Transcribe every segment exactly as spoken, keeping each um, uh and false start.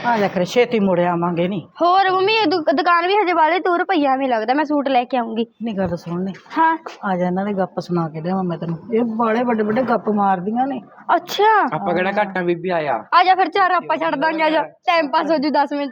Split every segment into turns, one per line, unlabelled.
ਆ ਜਾ ਕਰ ਛੇਤੀ ਮੁੜ ਆਵਾਂਗੇ ਨੀ।
ਹੋਰ ਮੰਮੀ ਦੁਕਾਨ ਵੀ ਹਜੇ ਵਾਲੇ ਦੂਰ ਪਈਆ ਮੈਨੂੰ ਲੱਗਦਾ ਮੈਂ ਸੂਟ ਲੈ ਕੇ ਆਉਂਗੀ।
ਨਹੀਂ ਗੱਲ ਸੁਣਨੀ
ਹਾਂ
ਆ ਜਾ ਇਹਨਾਂ ਦੇ ਗੱਪ ਸੁਣਾ ਕੇ ਦੇਵਾਂ ਮੈਂ ਤੈਨੂੰ। ਇਹ ਬਾਲੇ ਵੱਡੇ ਵੱਡੇ ਗੱਪ ਮਾਰਦੀਆਂ ਨੇ।
ਅੱਛਾ
ਆਪਾਂ ਕਿਹੜਾ ਘਾਟਾਂ ਬੀਬੀ ਆਇਆ।
ਆ ਜਾ ਫਿਰ ਚਾਰ ਆਪਾਂ ਛੱਡ ਦਾਂਗੇ। ਆ ਜਾ ਟਾਈਮ ਪਾਸ ਹੋ ਜੂ ਦਸ ਮਿੰਟ।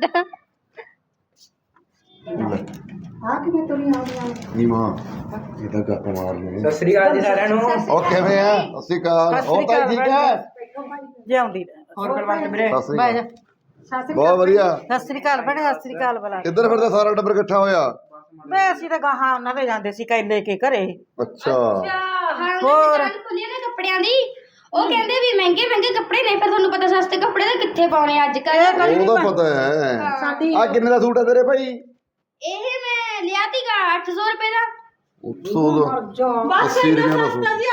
ਆ ਕਿਵੇਂ ਤੁਰੀ ਆਉਂਦੀਆਂ
ਨੀ ਮਾਂ ਇਹ ਤਾਂ ਗੱਪ ਮਾਰ ਲਈ।
ਸਤਿ ਸ੍ਰੀ ਅਕਾਲ ਜੀ ਸਾਰਿਆਂ ਨੂੰ।
ਉਹ ਕਿਵੇਂ ਆ? ਸਤਿ ਸ਼੍ਰੀ ਅਕਾਲ। ਹੋਰ ਤਾਂ ਠੀਕ ਹੈ?
ਜਿਉਂਦੀ
ਹੋਰ ਕੁਲਵੰਤ ਵੀਰੇ।
ਸਤਿ ਸ਼੍ਰੀ
ਬਹਿ ਜਾ।
ਅਕਾਲ। ਬਹੁਤ ਵਧੀਆ।
ਸਤਿ ਸ੍ਰੀ ਅਕਾਲ ਭੈਣੇ। ਸਤਿ ਸ੍ਰੀ ਅਕਾਲ ਬਲਾ।
ਕਿੱਧਰ ਫਿਰਦਾ ਸਾਰਾ ਟੱਬਰ ਇਕੱਠਾ ਹੋਇਆ?
ਮੈਂ ਅਸੀਂ ਤਾਂ ਗਾਹਾਂ ਉਹਨਾਂ ਦੇ ਜਾਂਦੇ ਸੀ ਕੈ ਲੈ ਕੇ ਘਰੇ।
ਅੱਛਾ
ਹੋਰ ਖੁੱਲੀ ਨਾ ਕੱਪੜਿਆਂ ਦੀ ਉਹ ਕਹਿੰਦੇ ਵੀ ਮਹਿੰਗੇ ਮਹਿੰਗੇ ਕੱਪੜੇ ਨੇ ਪਰ ਤੁਹਾਨੂੰ ਪਤਾ ਸਸਤੇ ਕੱਪੜੇ ਤਾਂ ਕਿੱਥੇ ਪਾਉਣੇ ਅੱਜ ਕੱਲ।
ਉਹ ਤਾਂ ਪਤਾ ਹੈ। ਆ ਕਿੰਨੇ ਦਾ ਸੂਟ ਹੈ ਤੇਰੇ ਭਾਈ?
ਇਹ ਮੈਂ ਲਿਆ ਤੀਗਾ ਅੱਠ ਸੌ ਰੁਪਏ ਦਾ।
ਸੌ ਦਾ ਅੱਸੀ ਰੁਪਏ ਦਾ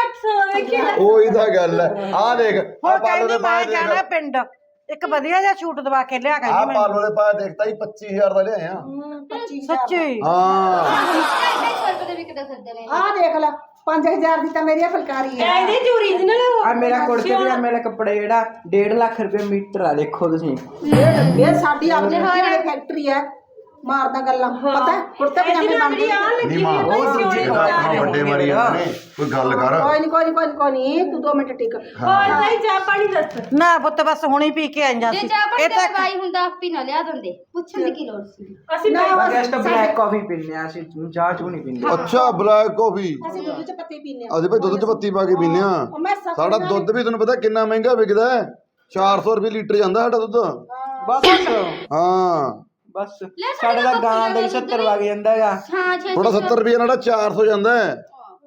ਸੂਟ। ਉਹੀ ਤਾਂ ਗੱਲ ਹੈ। ਆ ਦੇਖ ਆ ਪਾਲੋ ਦੇ ਪਾਏ ਦੇਖ।
ਜਾਣਾ ਪਿੰਡ ਇੱਕ ਵਧੀਆ ਜਿਹਾ ਸੂਟ ਦਵਾ ਕੇ ਲਿਆ ਕੇ
ਆ ਪਾਲੋ ਦੇ ਪਾਏ ਦੇਖਤਾ ਹੀ ਪੱਚੀ ਹਜ਼ਾਰ ਦਾ ਲਿਆਏ ਆ।
ਸੱਚੀ
ਹਾਂ
ਢਾਈ ਸੌ ਰੁਪਏ ਦੇ ਵਿਕਦੇ ਫਿਰਦੇ ਨੇ।
ਆ ਦੇਖ ਲੈ ਪੰਜ ਹਜ਼ਾਰ ਦੀ ਤਾਂ ਮੇਰੀ ਫੁਲਕਾਰੀ ਹੈ।
ਇਹਦੇ ਚ ਓਰੀਜਨਲ
ਆ ਮੇਰਾ ਕੁੜਤੇ ਪਜਾਮੇ ਵਾਲਾ ਕੱਪੜਾ ਜਿਹੜਾ ਡੇਢ ਲੱਖ ਰੁਪਏ ਮੀਟਰ ਆ ਦੇਖੋ ਤੁਸੀਂ।
ਇਹ ਸਾਡੀ ਆਪਣੀ ਫੈਕਟਰੀ ਹੈ। ਮਾਰਦਾ ਗੱਲਾਂ ਪਤਾ ਕੁੜਤੇ ਪਜਾਮੇ ਬਣਦੇ
ਨੀ ਮਾਂ ਉਹ ਦੂਜੀ ਗੱਲ ਵੱਡੇ ਮਾਰੀ ਜਾਂਦੇ ਨੇ। ਕੋਈ ਗੱਲ ਕਰ।
ਕੋਈ ਨਹੀਂ ਕੋਈ ਨਹੀਂ ਕੋਈ ਨਹੀਂ ਤੂੰ ਦੋ ਮਿੰਟ ਟਿਕ।
ਹੋਰ ਨਹੀਂ ਚਾਹ ਪਾਣੀ ਦੱਸ ਨਾ ਪੁੱਤ ਬਸ ਹੁਣੀ ਪੀ ਕੇ ਆਈਆਂ
ਜੇ
ਸੀ।
ਚਾਹ ਪਾਣੀ ਦਾ ਦਵਾਈ ਹੁੰਦਾ ਆਪੀ ਨਾ ਲਿਆ ਦਿੰਦੇ ਪੁੱਛਣ ਦੀ ਕੀ ਲੋੜ ਸੀ।
ਅਸੀਂ
ਬਸ ਤਾਂ ਬਲੈਕ ਕਾਫੀ ਪੀਂਦੇ ਆ ਅਸੀਂ ਚਾਹ ਚੂ ਨਹੀਂ ਪੀਂਦੇ।
ਅੱਛਾ ਬਲੈਕ ਕਾਫੀ।
ਅਸੀਂ ਦੁੱਧ ਚ ਪੱਤੀ ਪੀਨੇ ਆ।
ਅਸੀਂ ਭਾਈ ਦੁੱਧ ਚ ਪੱਤੀ ਪਾ ਕੇ ਪੀਂਦੇ ਆ। ਸਾਡਾ ਦੁੱਧ ਵੀ ਤੁਹਾਨੂੰ ਪਤਾ ਕਿੰਨਾ ਮਹਿੰਗਾ ਵਿਕਦਾ ਹੈ। ਚਾਰ ਸੌ ਰੁਪਏ ਲੀਟਰ ਜਾਂਦਾ ਸਾਡਾ ਦੁੱਧ।
ਬਸ
ਹਾਂ
ਬਸ ਸਾਡੇ ਦਾ ਗਾਂ ਦਾ ਹੀ ਸੱਤਰ ਵਗ ਜਾਂਦਾ ਹੈਗਾ।
ਹਾਂ ਛੇ
ਥੋੜਾ ਸੱਤਰ ਰੁਪਏ ਨਾਲ ਚਾਰ ਸੌ ਜਾਂਦਾ ਹੈ।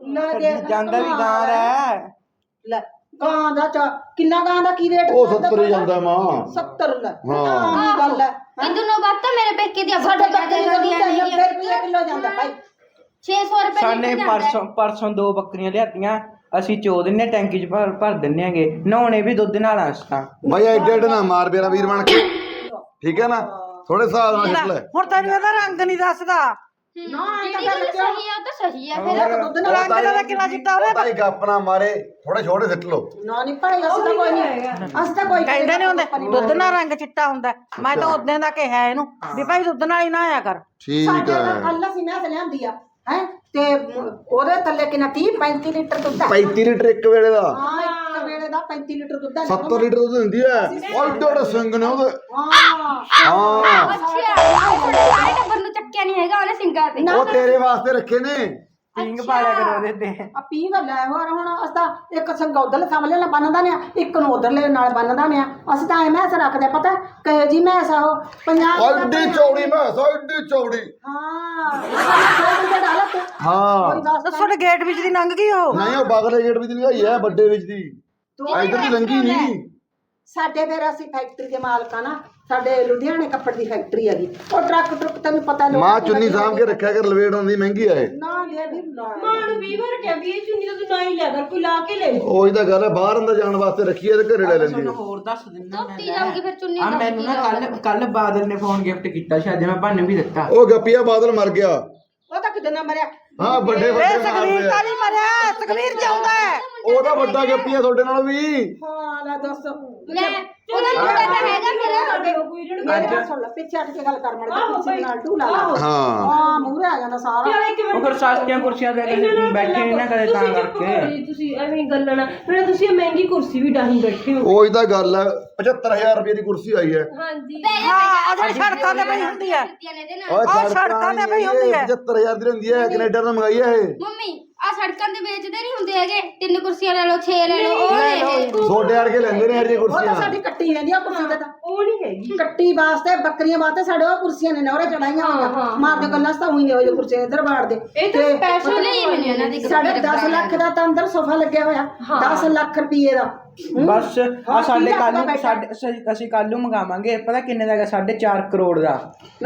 ਜਾਂਦਾ ਵੀ ਗਾਂ ਦਾ
ਲੈ ਗਾਂ ਦਾ ਚਾ ਕਿੰਨਾ ਗਾਂ ਦਾ ਕੀ ਰੇਟ?
ਉਹ ਸੱਤਰ ਹੀ ਜਾਂਦਾ ਮਾਂ।
ਸੱਤਰ ਲੈ
ਹਾਂ
ਕੀ ਗੱਲ ਹੈ?
ਇੰਦੂ ਨੂੰ ਬਾਤ ਤਾਂ ਮੇਰੇ ਪੇਕੇ ਦੀ
ਸਾਡੇ ਬੱਕਰੀ ਦਾ ਦੁੱਧ ਨੱਬੇ ਰੁਪਏ ਕਿਲੋ ਜਾਂਦਾ ਭਾਈ।
ਛੇ ਸੌ ਰੁਪਏ
ਸਾਨੇ ਪਰਸੋਂ ਪਰਸੋਂ ਦੋ ਬੱਕਰੀਆਂ ਲਿਆਤੀਆਂ ਅਸੀਂ ਚੋ ਦਿੰਨੇ ਟੈਂਕੀ ਚ ਭਰ ਭਰ ਦਿੰਨੇ ਆਂਗੇ। ਨਹਾਉਣੇ ਵੀ ਦੁੱਧ ਨਾਲ ਆ ਅਸੀਂ ਤਾਂ।
ਬਾਈ ਐਡੇ ਐਡੇ ਨਾ ਮਾਰ ਮੇਰਾ ਵੀਰ ਬਣ ਕੇ ਠੀਕ ਹੈ ਨਾ। ਥੋੜੇ ਹਿਸਾਬ ਨਾਲ ਛੱਡ ਲੈ।
ਹੁਣ ਤੈਨੂੰ ਇਹਦਾ ਰੰਗ ਨਹੀਂ ਦੱਸਦਾ।
ਨਾ ਇਹ ਤਾਂ ਗੱਲ ਸਹੀ ਆ ਤਾਂ ਸਹੀ ਆ ਫਿਰ।
ਦੁੱਧ
ਰੰਗ
ਨਾਲ
ਦਾ ਕਿੰਨਾ ਚਿੱਟਾ ਉਹਨੇ
ਭਾਈ ਗੱਪ ਨਾ ਮਾਰੇ ਥੋੜੇ ਛੋਟੇ ਸਿੱਟ ਲੋ।
ਨਾ ਨਹੀਂ ਭਾਈ ਅਸੀਂ ਤਾਂ ਕੋਈ ਨਹੀਂ ਅਸੀਂ ਤਾਂ ਕੋਈ
ਕਹਿੰਦੇ ਨੇ ਹੁੰਦੇ ਦੁੱਧ ਨਾਲ ਰੰਗ ਚਿੱਟਾ ਹੁੰਦਾ। ਮੈਂ ਤਾਂ ਉਦੋਂ ਦਾ ਕਿਹਾ ਇਹਨੂੰ ਵੀ ਭਾਈ ਦੁੱਧ ਨਾਲ ਹੀ ਨਾ ਆਇਆ ਕਰ।
ਠੀਕ
ਸਾਡੇ
ਹੈ।
ਨਾਲ ਕੱਲ ਅਸੀਂ ਮੈਂ ਲਿਆਂਦੀ ਆ ਹੈ ਤੇ ਉਹਦੇ ਥੱਲੇ ਕਿੰਨਾ ਤੀਹ ਪੈਂਤੀ ਲੀਟਰ ਦੁੱਧ ਆ।
ਪੈਂਤੀ ਲੀਟਰ ਇੱਕ ਵੇਲੇ ਦਾ।
ਹਾਂ ਇੱਕ ਵੇਲੇ ਦਾ ਪੈਂਤੀ ਲੀਟਰ ਦੁੱਧ ਆ।
ਸੱਤਰ ਲੀਟਰ ਦੁੱਧ ਦਿੰਦੀ ਹੈ। ਉਹ ਏਡੇ ਏਡੇ ਸਿੰਘ ਨੇ ਉਹਦੇ।
ਹਾਂ
ਹਾਂ
ਅੱਛਾ ਤੁਹਾਡੇ ਸਾਰੇ ਟੱਬਰ ਨੂੰ ਚੱਕਿਆ ਨਹੀਂ ਹੈਗਾ ਉਹਨੇ ਸਿੰਗਾਂ ਤੇ।
ਉਹ ਤੇਰੇ ਵਾਸਤੇ ਰੱਖੇ ਨੇ।
ਪਿੰਗ ਪਾਲਿਆ ਕਰੋ ਉਹਦੇ ਤੇ।
ਆ ਪੀ ਗੱਲ ਹੈ। ਹੋਰ ਹੁਣ ਅਸੀਂ ਤਾਂ ਇੱਕ ਸੰਗ ਉਧਰਲੇ ਸਾਹਮਣੇ ਨਾਲ ਬੰਨਦਾ ਨੇ ਇੱਕ ਨੂੰ ਉਧਰਲੇ ਨਾਲ ਬੰਨਦਾ ਨੇ। ਅਸੀਂ ਤਾਂ ਐ ਮੈਸ ਰੱਖਦੇ ਪਤਾ ਕਹੇ ਜੀ ਮੈਸ ਆਹੋ ਪੰਜਾਬ
ਐਡੀ ਚੌੜੀ ਮੈਸ ਐਡੀ ਚੌੜੀ।
ਹਾਂ ਡਾਲਾ ਤੂੰ
ਹਾਂ
ਤੁਹਾਡੇ ਗੇਟ ਵਿੱਚ ਦੀ ਲੰਘ ਗਈ ਉਹ।
ਨਹੀਂ ਉਹ ਬਗਲੇ ਗੇਟ ਵਿੱਚ ਦੀ ਲੰਘਾਈ ਹੈ ਵੱਡੇ ਵਿੱਚ ਦੀ। ਇੱਧਰ ਦੀ ਲੰਘੀ ਨਹੀਂ।
ਸਾਡੇ ਫਿਰ ਅਸੀਂ ਫੈਕਟਰੀ ਦੇ ਮਾਲਕ ਆ ਨਾ। ਸਾਡੇ ਲੁਧਿਆਣੇ ਕੱਪੜ ਦੀ ਫੈਕਟਰੀ ਹੈਗੀ। ਉਹ ਟਰੱਕ ਟਰੱਕ ਤੈਨੂੰ ਪਤਾ ਲੋਕ
ਮਾਂ ਚੁੰਨੀ ਸਾਂਭ ਕੇ ਰੱਖਿਆ ਕਰ ਲਵੇੜ ਆਉਂਦੀ ਮਹਿੰਗੀ ਹੈ।
ਨਾ ਲੈ ਵੀ ਨਾ
ਮਾਂ ਨੂੰ ਵੀਹ ਵਾਰ ਕਿਹਾ ਵੀ ਇਹ ਚੁੰਨੀ ਤਾਂ ਤੂੰ ਨਾ ਹੀ ਲਿਆ ਕਰ ਕੋਈ ਲਾ ਕੇ ਲੈ ਲੈ।
ਉਹੀ ਤਾਂ ਗੱਲ ਹੈ ਬਾਹਰ ਅੰਦਰ ਜਾਣ ਵਾਸਤੇ ਰੱਖੀ ਹੈ ਤੇ ਘਰੇ ਲੈ ਲੈਂਦੀ ਹੈ।
ਹੋਰ ਦੱਸ ਦਿੰਦਾ
ਧੋਤੀ ਜਾਊਗੀ ਫਿਰ ਚੁੰਨੀ
ਆ ਮੈਨੂੰ ਨਾ ਕੱਲ ਕੱਲ ਬਾਦਲ ਨੇ ਫੋਨ ਗਿਫਟ ਕੀਤਾ ਸੀ ਅੱਜ ਮੈਂ ਭਾਨੂੰ ਵੀ ਦਿੱਤਾ।
ਉਹ ਗੱਪੀਆ ਬਾਦਲ ਮਰ ਗਿਆ।
ਉਹ ਤਾਂ ਕਿਤੇ ਨਾ ਮਰਿਆ।
ਹਾਂ ਵੱਡੇ
ਇਹ
ਵੱਡੇ
ਸੁਖਵੀਰ ਤਾਂ ਨਹੀਂ ਮਰਿਆ। ਸੁਖਵੀਰ ਜਾਉਂਦਾ ਹੈ।
ਉਹਦਾ ਵੱਡਾ ਗੱਪੀਆ ਤੁਹਾਡੇ ਨਾਲ ਵੀ।
ਹਾਂ ਲੈ ਦੱਸ
ਲੈ ਉਹਦਾ ਮੁੰਡਾ ਤਾਂ ਹੈਗਾ ਫਿਰ।
ਮੇਰੇ ਨਾਲ ਸੁਣ ਲੈ ਪਿੱਛੇ ਹਟ ਕੇ ਗੱਲ ਕਰ ਮੜ ਪਿੱਛੇ ਨਾਲ ਟੂ ਲਾ ਲਾ।
ਹਾਂ
ਹਾਂ ਮੂਹਰੇ ਆ ਜਾਂਦਾ ਸਾਰਾ।
ਉਹ ਫਿਰ ਸਸਤੀਆਂ ਕੁਰਸੀਆਂ ਤੇ ਬੈਠੇ ਨਹੀਂ ਨਾ ਕਦੇ ਤਾਂ ਕਰਕੇ।
ਤੁਸੀਂ ਐਵੇਂ ਗੱਲਾਂ ਨਾ ਫਿਰ ਤੁਸੀਂ ਮਹਿੰਗੀ ਕੁਰਸੀ ਵੀ ਡਾਹੀ ਬੈਠੇ ਹੋ।
ਉਹੀ ਤਾਂ ਗੱਲ ਹੈ ਪਝੱਤਰ ਹਜ਼ਾਰ ਰੁਪਏ ਦੀ ਕੁਰਸੀ ਆਈ ਹੈ।
ਹਾਂਜੀ
ਹਾਂ ਆ ਜਿਹੜੀ ਸੜਕਾਂ ਤੇ ਪਈ ਹੁੰਦੀ ਹੈ।
ਓਏ
ਸੜਕਾਂ ਤੇ ਪਈ ਹੁੰਦੀ ਹੈ।
ਪਝੱਤਰ ਹਜ਼ਾਰ ਦੀ ਹੁੰਦੀ ਹੈ। ਕੈਨੇਡਾ ਤੋਂ ਮੰਗਾਈ ਹੈ ਇਹ।
ਮੰਮੀ ਆ ਸੜਕਾਂ ਤੇ ਵੇਚਦੇ ਨਹੀਂ ਹੁੰਦੇ ਹੈਗੇ ਤਿੰਨ ਕੁਰਸੀਆਂ ਲੈ ਲਓ ਛੇ ਲੈ ਲਓ ਉਹ ਲੈ
ਛੋਟੇ ਵਰਗੇ ਲੈਂਦੇ ਨੇ ਹਰ ਜੀ
ਉਹ ਤਾਂ
ਕੁਰਸੀਆਂ।
ਸਾਡੀ ਕੱਟੀ ਰਹਿੰਦੀ ਆ ਕੁਰਸੀ ਤੇ ਤਾਂ।
ਉਹ ਨਹੀਂ ਹੈਗੀ।
ਕੱਟੀ ਵਾਸਤੇ ਬੱਕਰੀਆਂ ਵਾਸਤੇ ਸਾਡੇ ਉਹ ਕੁਰਸੀਆਂ ਨੇ ਨੌਰੇ ਚੜਾਈਆਂ ਹੋਈਆਂ। ਮਾਰਦੇ ਗੱਲਾਂ ਤਾਂ ਉਹੀ ਨੇ ਉਹ ਕੁਰਸੀਆਂ ਇੱਧਰ ਬਾੜਦੇ।
ਇਹ ਤਾਂ ਸਪੈਸ਼ਲ
ਲਈ ਮੈਨੂੰ ਇਹਨਾਂ ਦੀ
ਸਾਡੇ ਦਸ ਲੱਖ ਦਾ ਤਾਂ ਅੰਦਰ ਸੋਫਾ ਲੱਗਿਆ ਹੋਇਆ। ਦਸ ਲੱਖ ਰੁਪਏ ਦਾ।
ਬਸ ਆ ਸਾਡੇ ਕੱਲ ਨੂੰ ਸਾਡੇ ਅਸੀਂ- ਅਸੀਂ ਕੱਲ ਨੂੰ ਮੰਗਾਵਾਂਗੇ। ਪਤਾ ਕਿੰਨੇ ਦਾ ਹੈਗਾ? ਸਾਢੇ ਚਾਰ ਕਰੋੜ ਦਾ।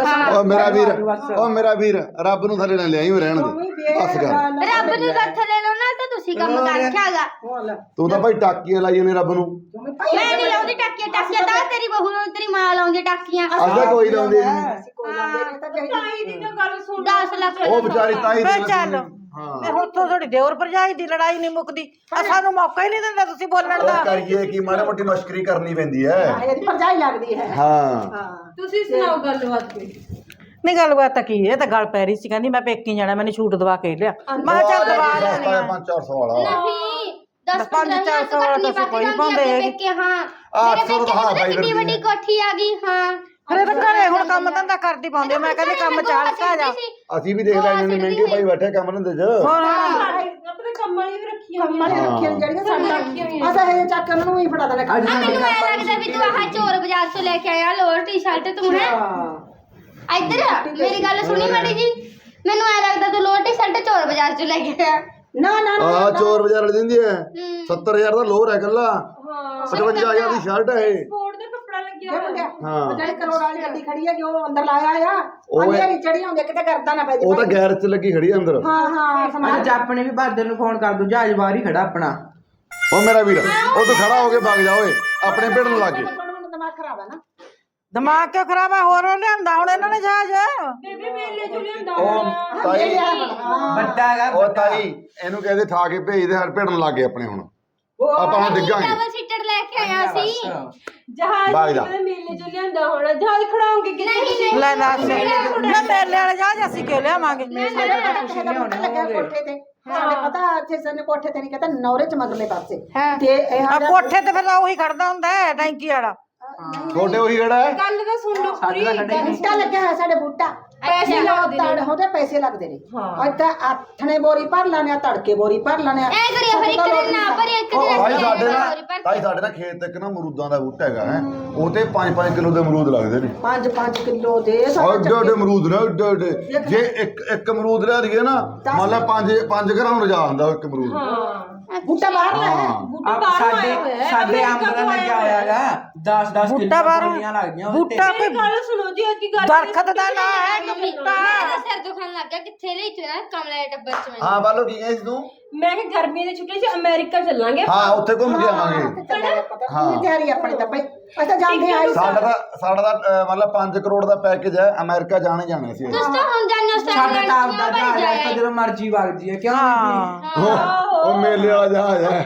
ਓ ਮੇਰਾ ਵੀਰ ਓ ਮੇਰਾ ਵੀਰ ਰੱਬ ਨੂੰ ਥੱਲੇ ਨਾ ਲਿਆਈ ਰਹਿਣ ਦੇ ਬਸ ਕਰ।
ਰੱਬ ਨੂੰ ਤਾਂ ਥੱਲੇ ਲਓ ਨਾ ਤਾਂ ਤੁਸੀਂ ਕੰਮ ਕਰ ਰੱਖਿਆਗਾ।
ਤੂੰ ਤਾਂ ਭਾਈ ਟਾਕੀਆਂ ਲਾਈ ਨੇ ਰੱਬ ਨੂੰ।
ਮੈਂ ਨਹੀਂ ਲਾਉਂਦੀ ਟਾਕੀਆਂ ਟਾਕੀਆਂ ਤਾਂ ਤੇਰੀ ਬਹੂ ਨੂੰ ਤੇਰੀ ਮਾਂ ਲਾਉਂਦੀ ਟਾਕੀਆਂ।
ਅੱਧਾ ਕੋਈ ਲਾਉਂਦੇ ਨਹੀਂ।
ਕੋਈ ਲਾਉਂਦੇ ਨਹੀਂ ਤਾਂ ਚਾਹੀਦੀ।
ਤਾਈ ਦੀ ਤਾਂ ਗੱਲ ਸੁਣ।
ਦਸ ਲੱਖ
ਉਹ ਵਿਚਾਰੀ ਤਾਈ
ਵੇ ਚੱਲ
ਹਾਂ।
ਤੇ ਹੁਣ ਤੋਂ ਤੁਹਾਡੀ ਦਿਓਰ ਭਰਜਾਈ ਦੀ ਲੜਾਈ ਨਹੀਂ ਮੁੱਕਦੀ ਆ ਸਾਨੂੰ ਮੌਕਾ ਹੀ ਨਹੀਂ ਦਿੰਦਾ ਤੁਸੀਂ ਬੋਲਣ ਦਾ
ਉਹ ਕਰੀਏ ਕੀ ਮਾੜੀ ਮੋਟੀ ਮਸ਼ਕਰੀ ਕਰਨੀ ਪੈਂਦੀ ਹੈ
ਹਾਂ, ਇਹਦੀ ਭਰਜਾਈ ਲੱਗਦੀ ਹੈ
ਹਾਂ
ਹਾਂ
ਤੁਸੀਂ ਸੁਣਾਓ ਗੱਲਬਾਤ ਕੋਈ
ਨਹੀਂ ਗੱਲਬਾਤ ਤਾਂ ਕੀ ਇਹ ਤਾਂ ਗੱਲ ਪੈ ਰਹੀ ਸੀ ਕਹਿੰਦੀ ਮੈਂ ਪੇਕੀ ਜਾਣਾ ਮੈਨੂੰ ਛੂਟ ਦਵਾ ਕੇ ਲਿਆ ਮੈਂ ਕਿਹਾ ਚੱਲ ਦਵਾ ਲੈਣੀ ਆ
ਪੰਜ ਚਾਰ ਸੌ ਵਾਲਾ
ਨਹੀਂ ਦਸ
ਪੰਜ
ਪੰਦਰਾਂ
ਚਾਰ ਸੌ ਵਾਲਾ ਤਾਂ ਕੋਈ ਨਹੀਂ ਪਾਉਂਦੇ ਹੈਗੇ।
ਕਿ ਹਾਂ
ਅੱਠ
ਮੇਰੇ
ਸੌ
ਪੇਕੇ
ਤਾਂ ਹਾਂ
ਪਤਾ
ਬਾਈ
ਕਿੰਨੀ ਵੱਡੀ
ਫਿਰਦੀ
ਕੋਠੀ ਆ ਗਈ ਹਾਂ
ਫਿਰ ਇਹ ਤਾਂ ਘਰੇ ਹੁਣ ਕੰਮ ਧੰਦਾ ਕਰਦੀ ਪਾਉਂਦੇ ਮੈਂ ਕਹਿੰਦੀ ਕੰਮ ਚਾਲ ਕਾ ਜਾ
ਅਸੀਂ ਵੀ ਦੇਖ ਲੈਣੇ ਨੇ ਮਹਿੰਗੇ ਭਾਈ ਬੈਠੇ ਕੰਮ ਧੰਦੇ 'ਚ
ਹੋਰ ਹੁਣ
ਆਪਣੇ ਕੰਮ ਵਾਲੀ ਵੀ ਰੱਖੀ ਹੋਈ
ਕੰਮਾਂ ਦੀਆਂ ਰੱਖੀਆਂ ਜਿਹੜੀਆਂ ਸਾਡਾ ਅਸਾਂ ਇਹ ਚੱਕ ਕੇ ਉਹਨਾਂ ਨੂੰ ਹੀ ਫੜਾ ਦੇਣਾ
ਅੱਜ
ਆ ਮੈਨੂੰ ਐ ਲੱਗਦਾ ਵੀ ਤੂੰ ਆਹ ਚੋਰ ਬਾਜ਼ਾਰ ਤੋਂ ਲੈ ਕੇ ਆਇਆ ਲੋਅਰ ਟੀ-ਸ਼ਰਟ ਤੂੰ ਹੈ ਇੱਧਰ ਆ, ਮੇਰੀ ਗੱਲ ਸੁਣੀ ਮਾੜੀ ਜੀ ਮੈਨੂੰ ਐ ਲੱਗਦਾ ਤੂੰ ਲੋਅਰ ਟੀ-ਸ਼ਰਟ ਚੋਰ ਬਾਜ਼ਾਰ ਤੋਂ ਲੈ ਕੇ ਆਇਆ
ਨਾ ਨਾ ਨਾ
ਆ ਚੋਰ ਬਾਜ਼ਾਰ ਵਾਲੀ ਦਿੰਦੀ ਹੈ
ਹੂੰ।
ਸੱਤਰ ਹਜ਼ਾਰ ਦਾ ਲੋਰ ਹੈ ਕੱਲਾ
ਹਾਂ
ਪਚਵੰਜਾ ਹਜ਼ਾਰ ਦੀ ਸ਼ਰਟ ਹੈ ਇਹ
ਸਪੋਰਟ ਦਾ ਕੱਪੜਾ ਲੱਗਿਆ
ਇਹ
ਹੋਇਆ।
ਮੁੰਡਿਆ
ਹਾਂ।
ਉਹ ਜਿਹੜੀ ਕਰੋੜ ਵਾਲੀ ਗੱਡੀ ਖੜੀ ਹੈ ਕਿ ਉਹ ਅੰਦਰ ਲਾਇਆ ਆ
ਉਹ ਹੈ-
ਅੰਧੇਰੀ ਚੜੀ ਹੁੰਦੀ ਕਿਤੇ ਕਰਦਾ ਨਾ ਪੈ
ਉਹ ਤਾਂ ਗੈਰ 'ਚ ਲੱਗੀ ਖੜੀ ਆ ਅੰਦਰ
ਹਾਂ ਹਾਂ ਸਮਾਜ
ਅੱਜ ਆਪਣੇ ਵੀ ਬਹਾਦਰ ਨੂੰ ਫੋਨ ਕਰ ਦੂ ਜਹਾਜ਼ ਬਾਹਰ ਹੀ ਖੜਾ ਆਪਣਾ
ਉਹ ਮੇਰਾ ਵੀਰ ਉਹ ਤੂੰ ਖੜਾ ਹੋ ਕੇ ਵਗ ਜਾ ਓਏ ਆਪਣੇ ਭਿੜਨ ਲੱਗ ਗਏ
ਦਿਮਾਗ ਖਰਾਬ ਹੈ ਨਾ
ਦਿਮਾਗ ਕਿਉਂ ਖਰਾਬ ਆ ਹੋਰ ਲਿਆਂਦਾ ਹੁਣ ਇਹਨਾਂ ਨੇ ਜਹਾਜ਼
ਬੇਬੇ ਮੇਲੇ ਚ ਲਿਆਂਦਾ
ਉਹ ਤਾਈ
ਵੱਡਾ ਹੈਗਾ
ਉਹ ਤਾਈ ਇਹਨੂੰ ਕਹਿੰਦੇ ਠਾ ਕੇ ਭੇਜਦੇ ਹਰ ਭਿੜਨ ਲੱਗ ਗਏ ਆਪਣੇ ਹੁਣ ਆਪਾਂ ਹੁਣ ਡਿੱਗਾਂਗੇ
ਡਬਲ ਸੀਟਰ ਲੈ ਕੇ ਆਇਆ ਸੀ
ਜਹਾਜ਼
ਬਾਈ ਦਾ।
ਦੇ ਮੇਲੇ ਚ ਲਿਆਂਦਾ ਹੋਣਾ ਜਹਾਜ਼ ਖੜਾਉਂਗੇ
ਨਹੀਂ
ਕਿਤੇ
ਨਹੀਂ
ਲੈ ਦੱਸ ਨਾ ਮੇਲੇ ਵਾਲੇ ਜਹਾਜ਼ ਅਸੀਂ ਕਿਉਂ ਲਿਆਵਾਂਗੇ
ਲੱਗਿਆ ਕੋਠੇ ਤੇ ਸਾਡੇ ਪਤਾ ਇੱਥੇ ਸਨ ਕੋਠੇ ਤੇ ਨਹੀਂ ਕਹਿੰਦਾ ਨੌਰੇ ਚ ਮਗਲੇ ਪਾਸੇ
ਹਾਂ।
ਤੇ ਇਹ
ਆ ਕੋਠੇ ਤੇ ਫਿਰ ਤਾਂ ਉਹੀ ਖੜਦਾ ਹੁੰਦਾ ਹੈ ਟੈਂਕੀ ਵਾਲਾ
ਛੋਟੇ ਉਹੀ ਖੜਾ ਹੈ
ਗੱਲ ਤਾਂ ਸੁਣ ਲਓ ਪੂਰੀ
ਬੂਟਾ ਲੱਗਿਆ ਹੋਇਆ ਸਾਡੇ ਬੂਟਾ ਪੈਸੇ ਲੱਗਦੇ ਨੇ ਤੜ ਹੁੰਦੇ ਪੈਸੇ ਲੱਗਦੇ ਨੇ
ਹਾਂ।
ਇੱਥੇ ਆਥਣੇ ਬੋਰੀ ਭਰ ਲੈਣੇ ਆ ਤੜਕੇ ਬੋਰੀ ਭਰ ਲੈਣੇ ਆ
ਐ ਕਰਿਆ ਫਿਰ ਇੱਕ ਦਿਨ ਨਾ ਭਰੀ ਇੱਕ ਦਿਨ
ਭਾਈ ਸਾਡੇ
ਹੋਰ
ਨਾਲ
ਪਰ
ਤਾਈ ਸਾਡੇ ਨਾਲ ਖੇਤ ਇੱਕ ਨਾ ਅਮਰੂਦਾਂ ਦਾ ਬੂਟਾ ਹੈਗਾ ਹੈ ਉਹ ਤੇ ਪੰਜ ਪੰਜ ਕਿਲੋ ਦੇ ਅਮਰੂਦ ਲੱਗਦੇ ਨੇ
ਪੰਜ ਪੰਜ ਕਿਲੋ ਦੇ
ਓਡੇ ਓਡੇ ਅਮਰੂਦ ਨੇ ਓਡੇ ਓਡੇ ਜੇ ਇੱਕ ਇੱਕ ਅਮਰੂਦ ਲਿਆ ਦਈਏ ਨਾ ਮੰਨ ਲਾ ਪੰਜ ਪੰਜ ਘਰਾਂ ਨੂੰ ਰਜਾ ਹੁੰਦਾ ਉਹ ਇੱਕ ਅਮਰੂਦ
ਹਾਂ
ਬੂਟਾ ਬਾਹਰ ਲੈ
ਹਾਂ
ਆਪ ਸਾਡੇ ਸਾਡੇ ਅੰਬ ਦਾ ਲੱਗਿਆ ਹੋਇਆਗਾ ਦਸ ਦਸ
ਬੂਟਾ
ਕਿਲੋ
ਬਾਹਰੋਂ
ਗੋਲੀਆਂ ਲੱਗਦੀਆਂ ਉਹਦੇ
ਬੂਟਾ
ਮੇਰੀ
ਕੋਈ
ਗੱਲ ਸੁਣੋ ਜੀ ਅੱਜ ਗੱਲ
ਦਰਖਤ ਦਾ ਨਾਂ ਹੈ ਕਿ ਬੂਟਾ
ਮੇਰਾ ਸਿਰ ਦੁਖਣ ਲੱਗ ਗਿਆ ਕਿੱਥੇ ਲਈ ਤੂੰ ਨਾ ਕਮਲੇ ਦੇ ਟੱਬਰ ਚ ਮੈਨੂੰ
ਹਾਂ ਬਾਲੋ ਕੀ ਕਹੇ ਸੀ ਤੂੰ
ਮੈਂ ਕਿ ਗਰਮੀ ਦੇ ਛੁੱਟੀਆਂ 'ਚ ਅਮਰੀਕਾ ਚੱਲਾਂਗੇ
ਹਾਂ ਉੱਥੇ ਘੁੰਮ ਕੇ ਆਵਾਂਗੇ
ਪਤਾ ਨਹੀਂ ਤਿਆਰੀ ਆਪਣੀ ਤਾਂ ਭਾਈ ਅਸੀਂ ਤਾਂ ਜਾਂਦੇ ਆਈ
ਸਾਡਾ ਤਾਂ ਸਾਡਾ ਤਾਂ ਅਹ, ਮਤਲਬ ਪੰਜ ਕਰੋੜ ਦਾ ਪੈਕੇਜ ਹੈ ਅਮਰੀਕਾ ਜਾਣੇ ਜਾਣੇ ਸੀ
ਤੁਸੀਂ ਤਾਂ ਹੁਣ ਜਾਣੋ
ਸਾਡਾ ਤਾਂ ਆਪਦਾ
ਸਟਾਈਲ
ਜਹਾਜ਼ ਹੈ ਤਾਂ ਜਦੋਂ ਮਰਜ਼ੀ ਵਗ ਜੀਏ ਕਿਉਂ ਨਹੀਂ
ਉਹ ਉਹ ਮੇਲੇ ਵਾਲਾ ਜਹਾਜ਼ ਹੈ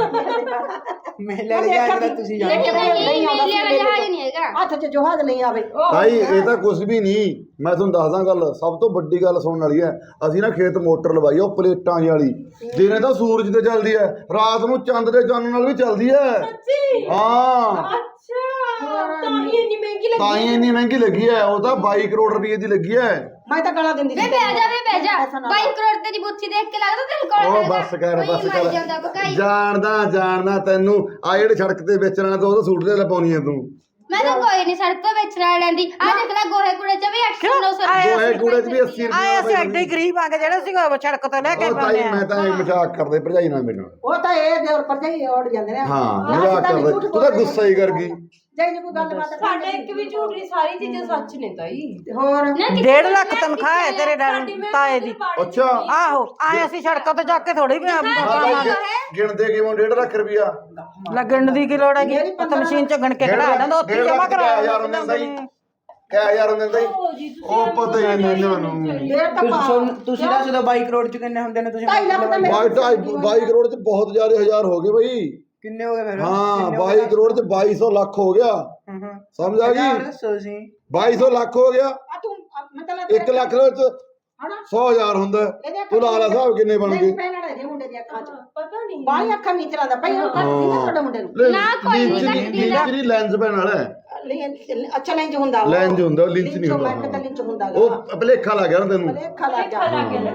ਮੇਲੇ ਵਾਲੇ ਜਹਾਜ਼ ਦਾ ਤੁਸੀਂ ਜਾਣੋ
ਨਹੀਂ ਨਹੀਂ ਮੇਲੇ ਵਾਲਾ ਜਹਾਜ਼ ਨਹੀਂ ਹੈਗਾ
ਹੱਥ 'ਚ ਜਹਾਜ਼ ਨਹੀਂ ਆਵੇ
ਭਾਈ ਇਹ ਤਾਂ ਕੁਝ ਵੀ ਨਹੀਂ ਮੈਂ ਤੁਹਾਨੂੰ ਦੱਸਦਾ ਗੱਲ ਸਭ ਤੋਂ ਵੱਡੀ ਗੱਲ ਸੁਣਨ ਵਾਲੀ ਹੈ ਅਸੀਂ ਨਾ ਖੇਤ ਮੋਟਰ ਲਵਾਈ ਆ ਉਹ ਪਲੇਟਾਂ ਜਿਹੀ ਵਾਲੀ ਦਿਨੇ ਤਾਂ ਸੂਰਜ ਤੇ ਚੱਲਦੀ ਹੈ ਰਾਤ ਨੂੰ ਚੰਦ ਦੇ ਚਾਨਣ ਨਾਲ ਵੀ ਚੱਲਦੀ ਹੈ
ਸੱਚੀ
ਹਾਂ
ਅੱਛਾ ਤਾਂ ਹੀ ਇੰਨੀ ਮਹਿੰਗੀ ਲੱਗੀ
ਤਾਂ ਹੀ ਇੰਨੀ ਮਹਿੰਗੀ ਲੱਗੀ ਹੈ ਉਹ ਤਾਂ ਬਾਈ ਕਰੋੜ ਰੁਪਏ ਦੀ ਲੱਗੀ ਹੈ
ਮੈਂ ਤਾਂ ਗਾਲਾਂ ਦਿੰਦੀ
ਵੇ ਬਹਿ ਜਾ ਵੇ ਬਹਿ ਜਾ ਬਾਈ ਕਰੋੜ ਤੇਰੀ ਬੁੱਥੀ ਦੇਖ ਕੇ ਲੱਗਦਾ ਤੈਨੂੰ ਕੋਲ
ਉਹ ਬੱਸ ਕਰ ਬੱਸ
ਮਰ ਜਾਂਦਾ
ਕਰ
ਬਕਾਈ
ਜਾਣਦਾ ਜਾਣਦਾ ਤੈਨੂੰ ਆ ਜਿਹੜੇ ਸੜਕ ਤੇ ਵੇਚਣਾ ਤੇ ਉਹਦਾ ਸੂਟ ਤੇ ਲਪਾਉਣੀ ਹੈ ਤੂੰ
ਮੈਂ ਤਾਂ ਕੋਈ ਨਹੀਂ ਸੜਕ ਤੋਂ ਵੇਚਣਾ ਲੈਂਦੀ ਆ ਦੇਖ ਲੈ ਗੋਹੇ ਕੂੜੇ ਚ ਵੀ ਅੱਠ ਸੌ ਨੌ ਸੌ
ਗੋਹੇ ਕੂੜੇ 'ਚ ਵੀ ਅੱਸੀ
ਆਏ ਅਸੀਂ
ਰੁਪਏ
ਐਡੇ ਹੀ ਗਰੀਬ ਆ ਕੇ ਜਿਹੜੇ ਸੀ ਸੜਕ ਤੋਂ ਲੈ ਕੇ
ਉਹ
ਪਾਉਂਦੇ
ਤਾਈ
ਆ
ਮੈਂ ਤਾਂ ਇਹ ਮਜ਼ਾਕ ਕਰਦੇ ਭਰਜਾਈ ਨਾਲ ਮੇਰੇ ਨਾਲ
ਉਹ ਤਾਂ ਇਹ ਦੇ ਉੱਪਰ ਜਾਈ ਉੜ ਜਾਂਦੇ ਨੇ
ਹਾਂ ਮਜ਼ਾਕ ਕਰਦੇ ਤੂੰ ਤਾਂ ਗੁੱਸਾ ਹੀ ਕਰ ਗਈ
ਜੇ ਜੇ ਕੋਈ ਗੱਲ ਬਾਤ
ਸਾਡੇ ਇੱਕ ਵੀ ਝੂਠ ਨਹੀਂ ਸਾਰੀ ਚੀਜ਼ਾਂ ਸੱਚ ਨੇ ਤਾਈ
ਹੋਰ
ਡੇਢ ਲੱਖ ਤਨਖਾਹ ਹੈ ਤੇਰੇ ਡੈਡੀ ਤਾਏ ਦੀ
ਅੱਛਾ
ਆਹੋ ਆਏ ਅਸੀਂ ਸੜਕਾਂ ਤੋਂ ਜਾ ਕੇ ਥੋੜੀ ਵੀ
ਹਾਂ ਤਾਈ ਗਿਣਦੇ ਕਿਵੇਂ ਡੇਢ ਲੱਖ ਰੁਪਇਆ
ਲੱਗਣ ਦੀ ਕੀ ਲੋੜ ਹੈਗੀ ਉਹ ਤਾਂ ਮਸ਼ੀਨ ਚ ਗਣ ਕੇ ਕਢਾ ਦਿੰਦਾ ਉੱਥੇ ਜਮਾ ਕਰਾ
ਹਜ਼ਾਰ ਹੁੰਦੇ ਹੁੰਦਾ ਹੀ ਕਿਆ ਹਜ਼ਾਰ ਹੁੰਦੇ ਹੁੰਦਾ ਹੀ ਉਹ ਪਤਾ ਹੀ ਨਹੀਂ ਇਹਨਾਂ ਨੂੰ
ਡੇਢ ਤਾਂ ਪਾ
ਤੁਸੀਂ ਤੁਸੀਂ ਦੱਸ ਦਿਓ ਬਾਈ ਕਰੋੜ ਚ ਕਿੰਨੇ ਹੁੰਦੇ ਨੇ ਤੁਸੀਂ
ਢਾਈ ਲੱਖ ਤਾਂ ਮੇਰੇ
ਬਾਈ ਢਾਈ ਬਾਈ ਕਰੋੜ 'ਚ ਬਹੁਤ ਜ਼ਿਆਦਾ ਹਜ਼ਾਰ ਹੋ ਗਏ ਬਈ
ਕਿੰਨੇ ਹੋ ਗਏ ਫਿਰ
ਹਾਂ ਬਾਈ ਕਰੋੜ 'ਚ ਬਾਈ ਸੌ ਲੱਖ ਹੋ ਗਿਆ
ਹੂੰ ਹੂੰ
ਸਮਝ ਆ ਗਈ
ਦੱਸੋ ਤੁਸੀਂ
ਬਾਈ ਸੌ ਲੱਖ ਹੋ ਗਿਆ
ਆ ਤੂੰ ਮਤਲਬ
ਇੱਕ ਲੱਖ ਦੇ ਵਿੱਚ
ਹਣਾ
ਸੌ ਹਜ਼ਾਰ ਹੁੰਦਾ
ਇਹਦੇ
ਤੂੰ ਲਾ ਲਾ ਹਿਸਾਬ ਕਿੰਨੇ ਬਣ ਗਏ
ਪੈਣਾ ਦੇ ਮੁੰਡੇ ਦੀਆਂ ਅੱਖਾਂ 'ਚ
ਪਤਾ ਨਹੀਂ
ਬਾਹਲੀ ਅੱਖਾਂ ਨਹੀਂ ਚਲਾਉਂਦਾ ਭਾਈ ਉਹ ਕੱਟਦੀ ਨਾ ਤੁਹਾਡੇ ਮੁੰਡੇ ਨੂੰ
ਨਾ ਕੋਈ ਨਹੀਂ ਕੱਟਦੀ ਨਾ।
ਲਿੰਚ ਲੈਂਸ ਪੈਣ ਵਾਲਾ ਹੈ।
ਲੈਂ- ਅੱਛਾ ਲੈਂਜ ਹੁੰਦਾ ਉਹ।
ਲੈਂਜ ਹੁੰਦਾ ਉਹ ਲਿੰਚ ਨਹੀਂ
ਮੈਂ ਕਿਹਾ
ਹੁੰਦਾ
ਲਿੰਚ ਹੁੰਦਾ ਗਾ।
ਉਹ ਭਲੇਖਾ ਲੱਗ ਗਿਆ ਨਾ ਤੈਨੂੰ
ਲੇਖਾ ਲੱਗ ਗਿਆ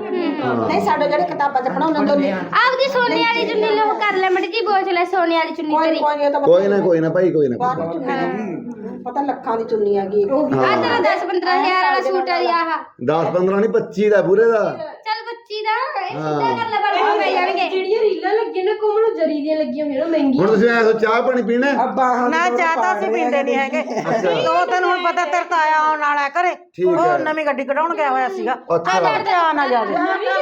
ਨਹੀਂ ਸਾਡੇ ਜਿਹੜੇ ਕਿਤਾਬਾਂ 'ਚ ਪੜਾਉਂਦੇ ਹੁੰਦੇ
ਆਪਦੀ ਸੋਨੇ ਵਾਲੀ ਚੁੰਨੀ ਲੋ ਕਰ ਲੈ ਮੜੀ ਜੀ ਬੋਝ ਲੈ ਸੋਨੇ ਵਾਲੀ ਚੁੰਨੀ
ਕੋਈ
ਤੇਰੀ
ਕੋਈ ਇਹ ਤਾਂ
ਕੋਈ ਨਾ ਕੋਈ ਨਾ ਭਾਈ ਕੋਈ ਨਾ
ਬਾਹਰ ਦੀ ਚੁੰਨੀ ਪਤਾ ਲੱਖਾਂ ਦੀ ਚੁੰਨੀ ਹੈਗੀ
ਆ ਤੇਰਾ ਦਸ ਪੰਦਰਾਂ ਹਜ਼ਾਰ ਵਾਲਾ ਸੂਟ ਆ ਆਹ
ਦਸ ਪੰਦਰਾਂ ਨਹੀਂ ਪੱਚੀ ਦਾ ਪੂਰੇ ਦਾ
ਚੱਲ ਬੱਚੀ ਦਾ ਇਹ ਸਿੱਧਾ ਕਰ ਲੈ ਪਰ ਪੈ ਜਾਣਗੇ
ਜਿਹੜੀਆਂ ਰੀਲਾਂ ਲੱਗੀਆਂ ਨੇ ਕੋਮਲ ਜਰੀ ਦੀਆਂ ਲੱਗੀਆਂ ਹੋਈਆਂ ਨੇ ਮਹਿੰਗੀਆਂ
ਹੁਣ ਤੁਸੀਂ ਐਸੋ ਚਾਹ ਪਾਣੀ ਪੀਣਾ ਹੈ?
ਨਾ ਚਾਹ ਤਾਂ ਅਸੀਂ ਪੀਂਦੇ ਨਹੀਂ ਹੈਗੇ ਉਹ ਤੈਨੂੰ ਹੁਣ ਪਤਾ ਤੇਰੇ ਤਾਇਆ ਆਉਣ ਵਾਲਾ ਘਰੇ
ਠੀਕ ਹੈ।
ਉਹ ਨਵੀਂ ਗੱਡੀ ਕਢਾਉਣ ਗਿਆ ਹੋਇਆ ਸੀਗਾ
ਅੱਛਾ।
ਆ ਬੈਠ ਜਾ ਨਾ ਜਾ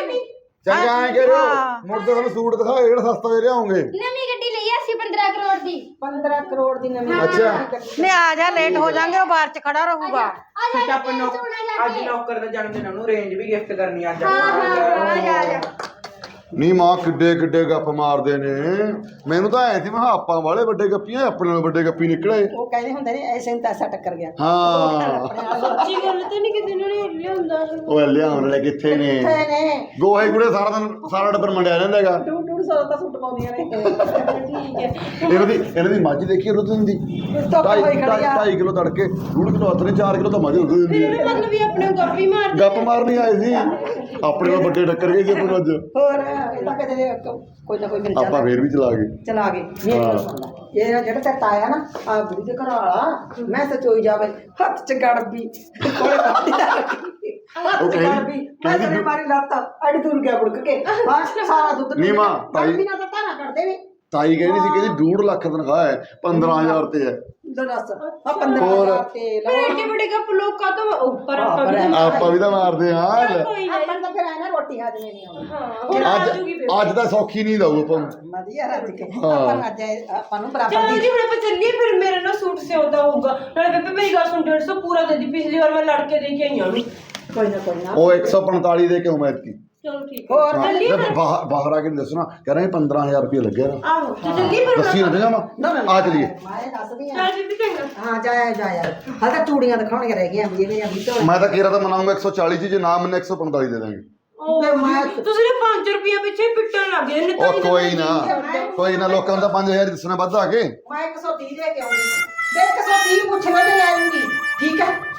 ਚੰਗਾ ਐ ਕਰਿਓ
ਹਾਂ।
ਮੁੜ ਕੇ ਤੁਹਾਨੂੰ ਸੂਟ ਦਿਖਾਓ ਜਿਹੜਾ ਸਸਤਾ ਦੇ ਲਿਆਉਂਗੇ
ਨਵੀਂ ਗੱਡੀ ਲਈ ਅਸੀਂ ਪੰਦਰਾਂ ਕਰੋੜ ਦੀ
ਪੰਦਰਾਂ ਕਰੋੜ ਦੀ ਨਵੀਂ
ਅੱਛਾ
ਨਹੀਂ ਆ ਜਾ ਲੇਟ ਹੋ ਜਾਾਂਗੇ ਉਹ ਬਾਹਰ ਚ ਖੜਾ ਰਹੂਗਾ
ਆ ਜਾ
ਤੁਸੀਂ ਆਪਾਂ ਨੌ- ਅੱਜ ਨੌਕਰ ਦਾ ਜਨਮ ਦਿਨ ਉਹਨੂੰ ਰੇਂਜ ਵੀ ਗਿਫਟ ਕਰਨੀ ਅੱਜ
ਹਾਂ ਹਾਂ ਆ ਜਾ ਆ ਜਾ
ਨਹੀਂ ਮਾਂ ਕਿੱਡੇ ਕਿੱਡੇ ਗੱਪ ਮਾਰਦੇ ਨੇ ਮੈਨੂੰ ਤਾਂ ਐ ਸੀ ਮੈਂ ਕਿਹਾ ਆਪਾਂ ਵਾਲੇ ਵੱਡੇ ਗੱਪੀਆਂ ਆਪਣੇ ਨਾਲ ਵੱਡੇ ਗੱਪੀ ਨਿਕਲੇ
ਉਹ ਕਹਿੰਦੇ ਹੁੰਦੇ ਨੇ ਐਸੇ ਨੂੰ ਤਾਂ ਐਸਾ ਟੱਕਰ ਗਿਆ
ਹਾਂ
ਸੱਚੀ ਗੱਲ ਤਾਂ ਨਹੀਂ ਕਿਤੇ ਇਹਨਾਂ ਨੇ ਲਿਆਉਂਦਾ
ਉਹ ਲਿਆਉਣ ਵਾਲੇ ਕਿੱਥੇ ਨੇ
ਕਿੱਥੇ ਨੇ
ਗੋਹੇ ਗੁੜੇ ਸਾਰਾ ਦਿਨ ਸਾਰਾ ਡੱਬਰ ਮੰਡਿਆ ਰਹਿੰਦਾ ਹੈਗਾ
ਟੂ ਟੂ ਸੌ ਦਾ ਸੂਟ ਪਾਉਂਦੀਆਂ ਨੇ
ਠੀਕ ਹੈ
ਇਹਨਾਂ ਦੀ ਇਹਨਾਂ ਦੀ ਮੱਝ ਦੇਖੀ ਰੁੱਤ ਦਿੰਦੀ
ਧੁੱਪ
ਢਾਈ
ਹੋਈ ਖੜੀ ਆ।
ਢਾਈ ਕਿਲੋ ਤੜਕੇ ਡੂਢ ਕਿਲੋ ਹੱਥ ਨੇ ਚਾਰ ਕਿਲੋ ਤਾਂ ਮੱਝ ਦੁੱਧ ਦਿੰਦੀ
ਫਿਰ
ਹੈ
ਮਤਲਬ ਵੀ ਆਪਣੇ ਗੱਪੀ ਮਾਰਦੇ
ਗੱਪ ਮਾਰਨੀ ਆਏ ਸੀ ਆਪਣੇ ਨਾਲ ਵੱਡੇ ਟੱਕਰ ਗਏ ਸੀ ਆਪਾਂ ਨੂੰ ਅੱਜ
ਹੋਰ ਇਹ ਤਾਂ ਕਿਤੇ ਦੇ ਕੋਈ ਨਾ ਕੋਈ ਮਿਲ
ਆਪਾਂ
ਜਾਂਦਾ
ਫੇਰ ਵੀ ਚਲਾ ਗਏ
ਚਲਾ ਗਏ ਮੇਰੀ ਗੱਲ ਸੁਣ ਲੈ ਇਹ ਜਿਹੜਾ ਤੇ ਤਾਇਆ ਨਾ ਆ ਬੁੜੀ ਦੇ ਘਰ ਵਾਲਾ ਮੈਂ ਤਾਂ ਚੋਈ ਜਾਵੇ ਹੱਥ ਚ ਗੜਬੀ ਕੋਲੇ ਪਾਤੀ ਹੱਥ
ਉਹ
ਚ
ਕਹਿੰਦੀ-
ਗੜਬੀ ਮੈਂ
ਕਹਿੰਦੀ
ਤੇਰੇ ਮਾਰੀ ਲੱਤ ਅੜੀ ਦੂਰ ਗਿਆ ਬੁੜਕ ਕੇ ਬਸ ਸਾਰਾ ਦੁੱਧ
ਨੀ ਮਾਂ, ਤਾਈ-
ਬਿਨਾ ਤਾਂ ਤਾਣਾ ਕੱਢਦੇ ਵੀ
ਤਾਈ ਕਹਿੰਦੀ ਸੀ ਕਹਿੰਦੀ ਡੂਢ ਲੱਖ ਤਨਖਾਹ ਹੈ ਪੰਦਰਾਂ ਹਜ਼ਾਰ ਤੇ ਹੈ
ਦੱਸ ਆ ਪੰਦਰਾਂ
ਹੋਰ।
ਹਜ਼ਾਰ ਤੇ
ਫਿਰ
ਲਓ
ਐਡੇ ਵੱਡੇ ਗੱਪ ਲੋਕਾਂ ਤੋਂ ਉੱਪਰ ਆਪਾਂ ਵੀ
ਹਾਂ,
ਤਾਂ
ਆਪਾਂ ਵੀ ਤਾਂ ਮਾਰਦੇ ਹਾਂ
ਚੱਲ ਕੋਈ ਨਾ
ਆਪਾਂ ਨੂੰ ਤਾਂ ਫਿਰ ਐ ਨਾ ਰੋਟੀ ਹਾਜ਼ਮੇ ਨਹੀਂ ਆਉਂਦੀ
ਹਾਂ ਹੁਣ ਆ
ਅੱਜ
ਜੂਗੀ ਫਿਰ
ਅੱਜ ਤਾਂ ਸੌਖੀ ਨਹੀਂ ਦਊ ਆਪਾਂ ਨੂੰ।
ਵਧੀਆ ਰੱਜ ਕੇ
ਹਾਂ।
ਆਪਾਂ ਨੂੰ ਅੱਜ ਇਹ- ਆਪਾਂ ਨੂੰ ਬਰਾਬਰ
ਚਲੋ
ਦੀ
ਜੀ ਹੁਣ ਆਪਾਂ ਚੱਲੀਏ ਫਿਰ ਮੇਰੇ ਨਾਲ ਸੂਟ ਸਿਉਂਦਾ ਹੋਊਗਾ ਨਾਲੇ ਬੇਬੇ ਮੇਰੀ ਗੱਲ ਸੁਣ ਡੇਢ ਸੌ ਪੂਰਾ ਦੇ ਦੀ ਪਿਛਲੀ ਵਾਰ ਮੈਂ ਲੜ ਕੇ ਦੇ ਕੇ ਆਈ ਹਾਂ ਉਹਨੂੰ
ਕੋਈ ਨਾ ਕੋਈ ਨਾ
ਉਹ ਇੱਕ ਸੌ ਪੰਤਾਲੀ ਦੇ ਕੇ ਉਮੀਦ ਕੀ
ਚਲੋ ਠੀਕ ਹੈ
ਹੋਰ
ਹਾਂ,
ਚੱਲੀਏ
ਜਦ
ਫਿਰ
ਬਾਹਰ ਬਾਹਰ ਆ ਕੇ ਨਹੀਂ ਦੱਸਣਾ ਕਹਿ ਰਹੇ ਪੰਦਰਾਂ ਹਜ਼ਾਰ ਰੁਪਏ ਲੱਗਿਆ ਨਾ
ਆਹੋ ਤੇ ਚੱਲੀਏ ਫਿਰ
ਦੱਸੀ ਨਾ ਜਾਵਾਂ
ਨਾ ਨਾ
ਆ ਚਲੀਏ
ਮੈਂ ਦੱਸਦੀ ਆ
ਚੱਲ ਬੀਬੀ ਚੰਗਾ
ਹਾਂ ਜਾਇਆ ਜਾਇਆ ਹਾਲ ਤਾਂ ਚੂੜੀਆਂ ਦਿਖਾਉਣੀਆਂ ਰਹਿ ਗਈਆਂ ਜਿਵੇਂ ਅਭੀ ਤੋਂ
ਮੈਂ ਤਾਂ ਕਿਹਾ ਤਾਂ ਮਨਾਉਂਗਾ ਇੱਕ ਸੌ ਚਾਲੀ ਚ ਜੇ ਨਾ ਮੰਨੇ ਇੱਕ ਸੌ ਪੰਤਾਲੀ ਦੇ ਦਾਂਗੇ
ਉਹ
ਤੇ ਮੈਂ-
ਤੁਸੀਂ ਨੇ ਪੰਜ ਰੁਪਏ ਪਿੱਛੇ ਪਿੱਟਣ ਲੱਗ ਗਏ ਨੇ ਤਾਂ
ਉਹ ਕੋਈ ਨਾ ਕੋਈ ਨਾ ਲੋਕਾਂ ਨੂੰ ਤਾਂ ਪੰਜ ਹਜ਼ਾਰ ਦੱਸਣਾ ਵੱਧ ਆ ਕੇ
ਮੈਂ ਇੱਕ ਸੌ ਤੀਹ ਦੇ ਕੇ ਆਉਂਗੀ ਤੇ ਇੱਕ ਸੌ ਤੀਹ ਪੁੱਛ ਲੈ ਤੇ ਲੈ ਲੂੰਗੀ ਠੀਕ ਹੈ